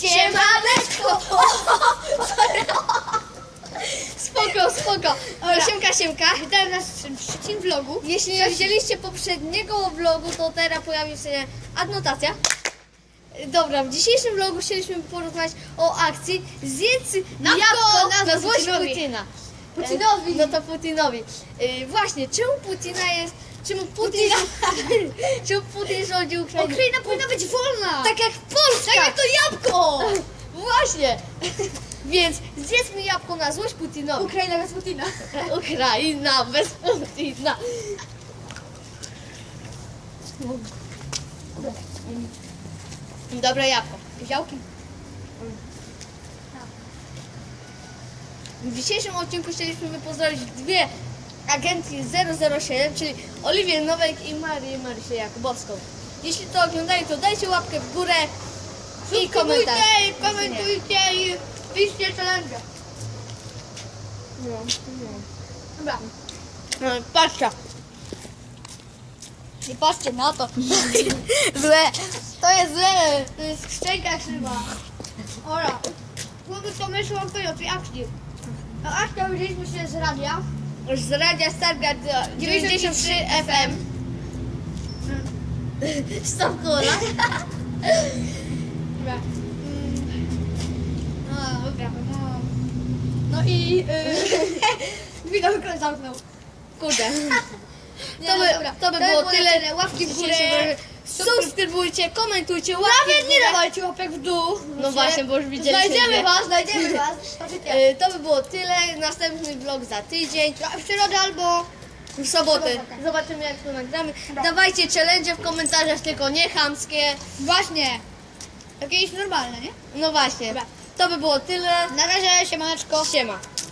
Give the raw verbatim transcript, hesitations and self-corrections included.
Siemaneczko! Spoko, spoko. Siemka, siemka. Witam nas w trzecim vlogu. Jeśli nie widzieliście poprzedniego vlogu, to teraz pojawi się adnotacja. Dobra, w dzisiejszym vlogu chcieliśmy porozmawiać o akcji Zjedz jabłko na złość Putina. Putinowi. No to Putinowi. Yy, właśnie, czemu Putina jest... Czemu Putin... czemu Putin rządzi Ukrainą? Ukraina powinna być wolna. Tak jak Polska! Tak jak to jabłko. Właśnie! Więc zjedzmy jabłko na złość Putinowi. Ukraina bez Putina. Ukraina bez Putina. Dobre jabłko. Działki. W dzisiejszym odcinku chcieliśmy pozdrowić dwie agencje zero zero siedem, czyli Oliwię Nowek i Marię Marysię Jakubowską. Jeśli to oglądacie, to dajcie łapkę w górę i komentarz. Subskrybujcie, komentujcie i piszcie challenge. No, no. Dobra. No, patrzcie. Nie patrzcie na to. Złe. To jest złe. To jest szczęka krzywa. Ora. Chłopcy to myślą o tej akcji. A akcja wzięliśmy się z radia. Z radia Stargard dziewięćdziesiąt trzy F M. Stop kola. Dobra. Mm. No dobra. No, no i... Yy, widok zamknął. Kurde. Nie, To no by, dobra. to by było tyle. tyle. Łapki w górę. Subskrybujcie, komentujcie, łapki w Nawet nie górę. dawajcie łapek w dół. No właśnie, bo już widzieliście Znajdziemy dwie. was, znajdziemy was. Y, To by było tyle. Następny vlog za tydzień. W środę albo... W sobotę. sobotę. Zobaczymy, jak to nagramy. Dobra. Dawajcie challenge w komentarzach, tylko nie chamskie. Właśnie. Jakieś normalne, nie? No właśnie. Dobra. To by było tyle. Na razie, siemaneczko. Siema.